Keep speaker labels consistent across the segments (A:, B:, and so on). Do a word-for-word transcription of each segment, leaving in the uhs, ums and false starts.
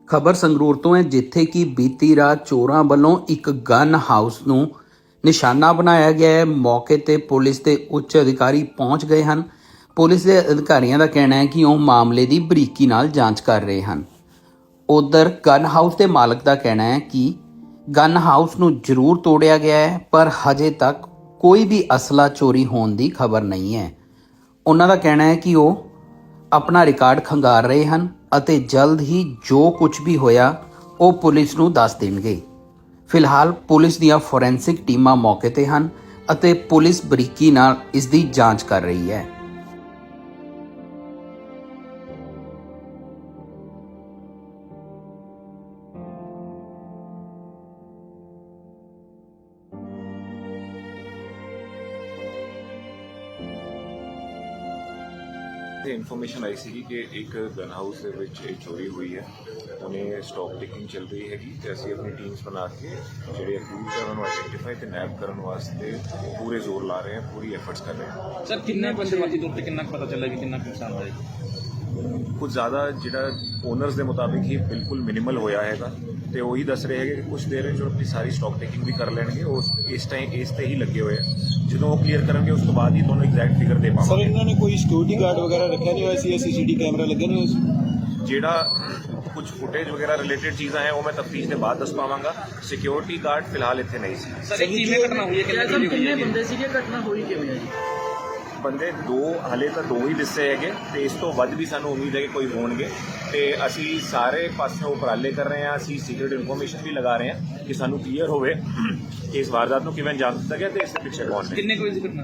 A: ਖਬਰ ਸੰਗਰੂਰ ਤੋਂ ਹੈ, ਜਿੱਥੇ ਕਿ ਬੀਤੀ ਰਾਤ ਚੋਰਾਂ ਵੱਲੋਂ ਇੱਕ ਗਨ ਹਾਊਸ ਨੂੰ ਨਿਸ਼ਾਨਾ ਬਣਾਇਆ ਗਿਆ ਹੈ। ਮੌਕੇ ਤੇ ਪੁਲਿਸ ਦੇ ਉੱਚ ਅਧਿਕਾਰੀ ਪਹੁੰਚ ਗਏ ਹਨ। ਪੁਲਿਸ ਦੇ ਅਧਿਕਾਰੀਆਂ ਦਾ ਕਹਿਣਾ ਹੈ ਕਿ ਉਹ ਮਾਮਲੇ ਦੀ ਬਰੀਕੀ ਨਾਲ ਜਾਂਚ ਕਰ ਰਹੇ ਹਨ। ਉਧਰ ਗਨ ਹਾਊਸ ਦੇ ਮਾਲਕ ਦਾ ਕਹਿਣਾ ਹੈ ਕਿ ਗਨ ਹਾਊਸ ਨੂੰ ਜ਼ਰੂਰ ਤੋੜਿਆ ਗਿਆ ਹੈ, ਪਰ ਹਜੇ ਤੱਕ ਕੋਈ ਵੀ ਅਸਲਾ ਚੋਰੀ ਹੋਣ ਦੀ ਖਬਰ ਨਹੀਂ ਹੈ। ਉਹਨਾਂ ਦਾ ਕਹਿਣਾ ਹੈ ਕਿ ਉਹ ਆਪਣਾ ਰਿਕਾਰਡ ਖੰਗਾਰ ਰਹੇ ਹਨ ਅਤੇ ਜਲਦ ਹੀ ਜੋ ਕੁਝ ਵੀ ਹੋਇਆ ਉਹ ਪੁਲਿਸ ਨੂੰ ਦੱਸ ਦੇਣਗੇ। ਫਿਲਹਾਲ ਪੁਲਿਸ ਦੀਆਂ ਫੋਰੈਂਸਿਕ ਟੀਮਾਂ ਮੌਕੇ ਤੇ ਹਨ ਅਤੇ ਪੁਲਿਸ ਬਰੀਕੀ ਨਾਲ ਇਸ ਦੀ ਜਾਂਚ ਕਰ ਰਹੀ ਹੈ।
B: ਤੇ ਇਨਫੋਰਮੇਸ਼ਨ ਆਈ ਸੀ ਕਿ ਇੱਕ ਗਨ ਹਾਊਸ ਦੇ ਵਿੱਚ ਇਹ ਚੋਰੀ ਹੋਈ ਹੈ। ਉਹਨੇ ਸਟਾਕ ਟੇਕਿੰਗ ਚੱਲ ਰਹੀ ਹੈਗੀ ਤੇ ਅਸੀਂ ਆਪਣੀ ਟੀਮਸ ਬਣਾ ਕੇ ਜਿਹੜੇ ਅਕਿਊਜ਼ਡ ਹੈ ਉਹਨਾਂ ਨੂੰ ਆਈਡੈਂਟੀਫਾਈ ਤੇ ਨੈਪ ਕਰਨ ਵਾਸਤੇ ਪੂਰੇ ਜ਼ੋਰ ਲਾ ਰਹੇ ਹਾਂ, ਪੂਰੀ ਐਫਰਟਸ ਕਰ ਰਹੇ ਹਾਂ।
C: ਸਰ ਕਿੰਨੇ ਬੰਦੇ ਵਾਜੀ ਤੌਰ ਤੇ ਕਿੰਨਾ ਪਤਾ ਚੱਲਿਆ ਕਿ ਕਿੰਨਾ ਨੁਕਸਾਨ ਹੋਇਆ?
B: ਕੁਝ ਜ਼ਿਆਦਾ ਜਿਹੜਾ ਓਨਰਸ ਦੇ ਮੁਤਾਬਿਕ ਹੀ ਬਿਲਕੁਲ ਮਿਨੀਮਲ ਹੋਇਆ ਹੈਗਾ ਤੇ ਉਹੀ ਦੱਸ ਰਹੇ ਹੈਗੇ ਕਿ ਕੁਝ ਦੇਰ ਵਿੱਚ ਆਪਣੀ ਸਾਰੀ ਸਟਾਕ ਟੇਕਿੰਗ ਵੀ ਕਰ ਲੈਣਗੇ। ਉਸ ਇਸ ਟਾਈਮ ਇਸ ਤੇ ਹੀ ਲੱਗੇ ਹੋਏ ਆ। ਜਦੋਂ ਉਹ ਕਲੀਅਰ ਕਰਨਗੇ ਉਸ ਤੋਂ ਬਾਅਦ ਹੀ ਤੁਹਾਨੂੰ ਐਗਜ਼ੈਕਟ ਫਿਗਰ ਦੇ ਪਾਵਾਂਗੇ।
D: ਸਰ ਇਹਨਾਂ ਨੇ ਕੋਈ ਸਿਕਿਉਰਿਟੀ ਗਾਰਡ ਵਗੈਰਾ ਰੱਖਿਆ ਨਹੀਂ ਹੋਇਆ ਸੀ? ਸੀਸੀਟੀ ਕੈਮਰਾ ਲੱਗੇ ਨਹੀਂ ਹੋਏ ਸੀ?
B: ਜਿਹੜਾ ਕੁਝ ਫੁਟੇਜ ਵਗੈਰਾ ਰਿਲੇਟਡ ਚੀਜ਼ਾਂ ਹੈ ਉਹ ਮੈਂ ਤਫਤੀਸ਼ ਦੇ ਬਾਅਦ ਦੱਸ ਪਾਵਾਂਗਾ। ਸਿਕਿਉਰਿਟੀ ਗਾਰਡ ਫਿਲਹਾਲ ਇੱਥੇ ਨਹੀਂ ਸੀ।
C: ਸਰ ਇਹ ਕਿਵੇਂ ਘਟਨਾ ਹੋਈ ਹੈ? ਕਿੰਨੇ ਕਿੰਨੇ ਬੰਦੇ ਸੀਗੇ? ਘਟਨਾ ਹੋਈ ਕਿਵੇਂ ਹੈ ਜੀ?
B: ਬੰਦੇ ਦੋ ਹਾਲੇ ਤਾਂ ਦੋ ਹੀ ਦੱਸੇ ਹੈਗੇ ਤੇ ਇਸ ਤੋਂ ਵੱਧ ਵੀ ਸਾਨੂੰ ਉਮੀਦ ਹੈ ਕਿ ਕੋਈ ਹੋਣਗੇ ਤੇ ਅਸੀਂ ਸਾਰੇ ਪਾਸਿਓਂ ਉਪਰਾਲੇ ਕਰ ਰਹੇ ਹਾਂ। ਅਸੀਂ ਸੀਕ੍ਰੀਟ ਇਨਫੋਰਮੇਸ਼ਨ ਵੀ ਲਗਾ ਰਹੇ ਹਾਂ ਕਿ ਸਾਨੂੰ ਕਲੀਅਰ ਹੋਵੇ ਕਿ ਇਸ ਵਾਰਦਾਤ ਨੂੰ ਕਿਵੇਂ ਅੰਜਾਮ ਦਿੱਤਾ ਗਿਆ ਤੇ ਇਸ ਦੇ ਪਿੱਛੇ ਕੌਣ ਨੇ।
C: ਕਿੰਨੇ ਕੋਈ ਘਟਨਾ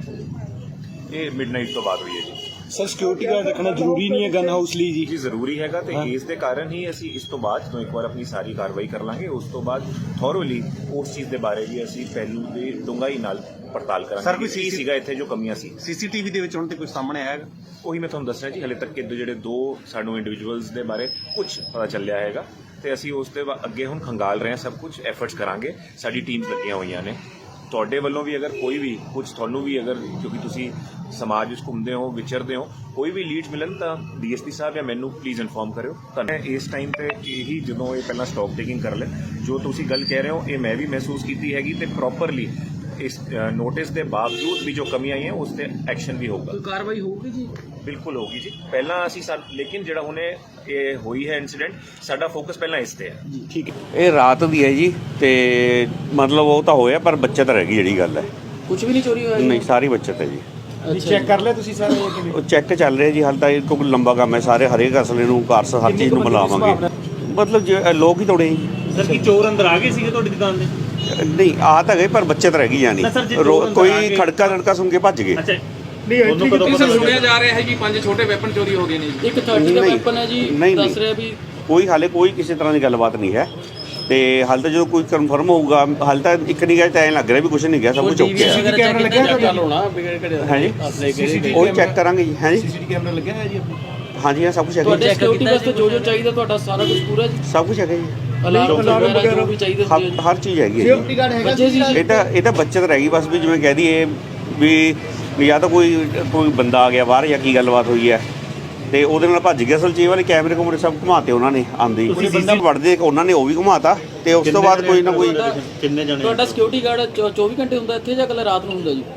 B: ਇਹ ਮਿਡਨਾਈਟ ਤੋਂ ਬਾਅਦ ਹੋਈ ਹੈ ਜੀ।
D: ਸਰ ਸਿਕਿਉਰਿਟੀ ਗਾਰਡ ਰੱਖਣਾ ਜ਼ਰੂਰੀ ਨਹੀਂ ਹੈ ਗਨ ਹਾਊਸ ਲਈ ਜੀ?
B: ਜੀ ਜ਼ਰੂਰੀ ਹੈਗਾ ਤੇ ਇਸ ਦੇ ਕਾਰਨ ਹੀ ਅਸੀਂ ਇਸ ਤੋਂ ਬਾਅਦ ਜਦੋਂ ਇੱਕ ਵਾਰ ਆਪਣੀ ਸਾਰੀ ਕਾਰਵਾਈ ਕਰ ਲਾਂਗੇ ਉਸ ਤੋਂ ਬਾਅਦ ਥੋਰੋਲੀ ਉਸ ਚੀਜ਼ ਦੇ ਬਾਰੇ ਵੀ ਅਸੀਂ ਪਹਿਲੂ ਦੀ ਡੂੰਘਾਈ ਨਾਲ ਪੜਤਾਲ ਕਰਾਂਗੇ। ਸਰ ਕੋਈ ਕੀ ਸੀਗਾ ਇੱਥੇ ਜੋ ਕਮੀਆਂ ਸੀ?
D: ਸੀਸੀਟੀਵੀ ਦੇ ਵਿੱਚ ਹੁਣ ਤੇ ਕੁਝ ਸਾਹਮਣੇ ਆਇਆ?
B: ਉਹੀ ਮੈਂ ਤੁਹਾਨੂੰ ਦੱਸ ਰਿਹਾ ਜੀ, ਹਲੇ ਤੱਕ ਕਿ ਜਿਹੜੇ ਦੋ ਸਾਨੂੰ ਇੰਡੀਵਿਜੂਅਲਸ ਦੇ ਬਾਰੇ ਕੁਝ ਪਤਾ ਚੱਲਿਆ ਹੈਗਾ ਤੇ ਅਸੀਂ ਉਸ ਦੇ ਅੱਗੇ ਹੁਣ ਖੰਗਾਲ ਰਹੇ ਹਾਂ। ਸਭ ਕੁਝ ਐਫਰਟਸ ਕਰਾਂਗੇ, ਸਾਡੀ ਟੀਮਸ ਲੱਗੀਆਂ ਹੋਈਆਂ ਨੇ। ਤੁਹਾਡੇ ਵੱਲੋਂ ਵੀ ਅਗਰ ਕੋਈ ਵੀ ਕੁਝ ਤੁਹਾਨੂੰ ਵੀ ਅਗਰ ਕਿਉਂਕਿ ਤੁਸੀਂ ਸਮਾਜ ਵਿੱਚ ਘੁੰਮਦੇ ਹੋ ਵਿਚਰਦੇ ਹੋ ਕੋਈ ਵੀ ਲੀਡ ਮਿਲਣ ਤਾਂ ਡੀਐਸਪੀ ਸਾਹਿਬ ਜਾਂ ਮੈਨੂੰ ਪਲੀਜ਼ ਇਨਫੋਰਮ ਕਰਿਓ। ਤਾਂ ਇਸ ਟਾਈਮ ਤੇ ਇਹੀ ਜਦੋਂ ਇਹ ਪਹਿਲਾਂ ਸਟਾਕ ਟੇਕਿੰਗ ਕਰ ਲੈ ਜੋ ਤੁਸੀਂ ਗੱਲ ਕਹਿ ਰਹੇ ਹੋ ਇਹ ਮੈਂ ਵੀ ਮਹਿਸੂਸ ਕੀਤੀ ਹੈਗੀ ਤੇ ਪ੍ਰੋਪਰਲੀ ਇਸ ਨੋਟਿਸ ਦੇ ਬਾਵਜੂਦ ਵੀ ਜੋ ਕਮੀਆਂ ਆਈਆਂ ਉਸ ਤੇ ਐਕਸ਼ਨ ਵੀ ਹੋਊਗਾ।
C: ਕਾਰਵਾਈ ਹੋਊਗੀ ਜੀ?
B: ਬਿਲਕੁਲ ਹੋਊਗੀ ਜੀ। ਪਹਿਲਾਂ ਅਸੀਂ ਲੇਕਿਨ ਜਿਹੜਾ ਹੁਣੇ ਇਹ ਹੋਈ ਹੈ ਇਨਸੀਡੈਂਟ ਸਾਡਾ ਫੋਕਸ ਪਹਿਲਾਂ ਇਸ ਤੇ ਹੈ।
D: ਠੀਕ ਹੈ।
E: ਇਹ ਰਾਤ ਦੀ ਹੈ ਜੀ ਤੇ ਮਤਲਬ ਉਹ ਤਾਂ ਹੋਇਆ ਪਰ ਬੱਚਤ ਰਹਿ ਗਈ ਜਿਹੜੀ ਗੱਲ ਹੈ।
C: ਕੁਝ ਵੀ ਨਹੀਂ ਚੋਰੀ ਹੋਇਆ?
E: ਨਹੀਂ ਸਾਰੀ ਬੱਚਤ ਹੈ ਜੀ।
D: ਚੈੱਕ ਕਰ ਲਿਆ ਤੁਸੀਂ ਸਾਰੇ?
E: ਉਹ ਚੈੱਕ ਚੱਲ ਰਿਹਾ ਜੀ, ਹਾਲ ਤਾਂ ਇਹ ਕੋਈ ਲੰਬਾ ਕੰਮ ਹੈ। ਸਾਰੇ ਹਰੇਕ ਅਸਲੇ ਨੂੰ ਕਾਰਸ ਹਰ ਚੀਜ਼ ਨੂੰ ਮਿਲਾਵਾਂਗੇ। ਮਤਲਬ ਜੇ ਲੋਕ ਹੀ ਤੋੜੇ ਜੀ।
F: ਸਰ ਕੀ ਚੋਰ ਅੰਦਰ ਆ ਗਏ ਸੀਗੇ ਤੁਹਾਡੀ ਦੁਕਾਨ ਦੇ?
E: ਨਹੀਂ ਆ ਤਾਂ ਗਏ ਪਰ ਬੱਚਤ ਰਹਿ ਗਈ ਜਾਨੀ ਕੋਈ ਖੜਕਾ ਲੜਕਾ ਸੁਣ ਕੇ ਭੱਜ ਗਏ।
F: ਅੱਛਾ
C: ਤੁਹਾਨੂੰ ਕਦੋਂ ਪਤਾ ਸੁਣਿਆ ਜਾ ਰਿਹਾ ਹੈ ਜੀ ਪੰਜ ਛੋਟੇ ਵੈਪਨ ਚੋਰੀ ਹੋ ਗਏ ਨੇ ਜੀ? ਇੱਕ ਥਰਟੀ ਦਾ ਵੈਪਨ ਹੈ ਜੀ ਦੱਸ ਰਿਹਾ ਵੀ। ਕੋਈ
E: ਹਾਲੇ ਕੋਈ ਕਿਸੇ ਤਰ੍ਹਾਂ ਦੀ ਗੱਲਬਾਤ ਨਹੀਂ ਹੈ ਤੇ ਹਾਲ ਤਾਂ ਜਦੋਂ ਕੋਈ ਕਨਫਰਮ ਹੋਊਗਾ ਹਾਲ ਤਾਂ ਇੱਕ ਨਹੀਂ ਗਿਆ ਤਾਂ ਐਂ ਲੱਗ ਰਿਹਾ ਵੀ ਕੁਝ ਨਹੀਂ ਗਿਆ, ਸਭ ਕੁਝ ਓਕੇ ਹੈ।
D: ਸੀਸੀਟੀ ਕੈਮਰਾ ਲੱਗਿਆ
C: ਗੱਲ ਹੋਣਾ
E: ਹੈ ਜੀ, ਉਹ ਚੈੱਕ ਕਰਾਂਗੇ ਜੀ। ਹੈ ਜੀ,
D: ਸੀਸੀਟੀ ਕੈਮਰਾ ਲੱਗਿਆ ਹੈ ਜੀ?
E: ਹਾਂਜੀ ਹਾਂ ਸਭ ਕੁਝ ਹੈਗਾ।
C: ਤੁਹਾਡੇ ਸਿਕਿਉਰਿਟੀ ਵਾਸਤੇ ਜੋ ਜੋ ਚਾਹੀਦਾ ਤੁਹਾਡਾ ਸਾਰਾ ਕੁਝ ਪੂਰਾ ਜੀ?
E: ਸਭ ਕੁਝ ਹੈਗਾ ਜੀ,
C: ਅਲਾਰਮ ਵਗੈਰਾ ਵੀ ਚਾਹੀਦਾ
E: ਹਰ ਹਰ ਚੀਜ਼ ਹੈਗੀ ਹੈ ਜੀ।
C: ਬੱਚੇ ਸੀ
E: ਇਹ ਤਾਂ ਇਹ ਤਾਂ ਬੱਚਤ ਰਹਿ ਗਈ ਬਸ, ਵੀ ਜਿਵੇਂ ਕਹਿ ਦਈਏ ਵੀ ਵੀ ਜਾਂ ਤਾਂ ਕੋਈ ਕੋਈ ਬੰਦਾ ਆ ਗਿਆ ਬਾਹਰ ਜਾਂ ਕੀ ਗੱਲਬਾਤ ਹੋਈ ਹੈ ਤੇ ਉਹਦੇ ਨਾਲ ਭੱਜ ਗਿਆ। ਅਸਲ ਚੀਜ਼ ਵਾਲੇ ਕੈਮਰੇ ਕੁਮਰੇ ਸਭ ਘੁਮਾਤੇ ਉਹਨਾਂ ਨੇ ਆਂਦੇ ਬੰਦਾ ਵੜਦੇ ਉਹਨਾਂ ਨੇ ਉਹ ਵੀ ਘੁਮਾਤਾ ਤੇ ਉਸ ਤੋਂ ਬਾਅਦ ਕੋਈ ਨਾ ਕੋਈ।
F: ਕਿੰਨੇ ਜਣੇ?
C: ਤੁਹਾਡਾ ਸਿਕਿਉਰਿਟੀ ਗਾਰਡ ਚੌਵੀ ਘੰਟੇ ਹੁੰਦਾ ਇੱਥੇ ਜਾਂ ਕੱਲ ਰਾਤ ਨੂੰ ਹੁੰਦਾ ਜੀ?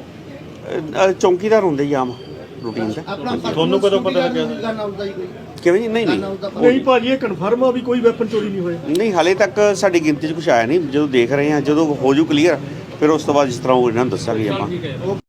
E: ਅ, ਚੌਂਕੀਦਾਰ ਹੁੰਦੇ ਜੀ ਆਮ ਰੂਟੀਨ ਦਾ।
F: ਤੁਹਾਨੂੰ ਕਦੋਂ ਪਤਾ ਲੱਗਿਆ?
E: ਕਿਵੇਂ ਜੀ? ਨਹੀਂ ਨਹੀਂ
D: ਨਹੀਂ ਭਾਜੀ ਇਹ ਕਨਫਰਮ ਆ ਵੀ ਕੋਈ ਵੈਪਨ ਚੋਰੀ ਨਹੀਂ ਹੋਇਆ?
E: ਨਹੀਂ ਹਾਲੇ ਤੱਕ ਸਾਡੀ ਗਿਣਤੀ 'ਚ ਕੁਛ ਆਇਆ ਨਹੀਂ। ਜਦੋਂ ਦੇਖ ਰਹੇ ਹਾਂ ਜਦੋਂ ਹੋ ਜੂ ਕਲੀਅਰ ਫਿਰ ਉਸ ਤੋਂ ਬਾਅਦ ਜਿਸ ਤਰ੍ਹਾਂ ਉਹ ਇਹਨਾਂ ਨੂੰ ਦੱਸਾਂਗੇ ਆਪਾਂ।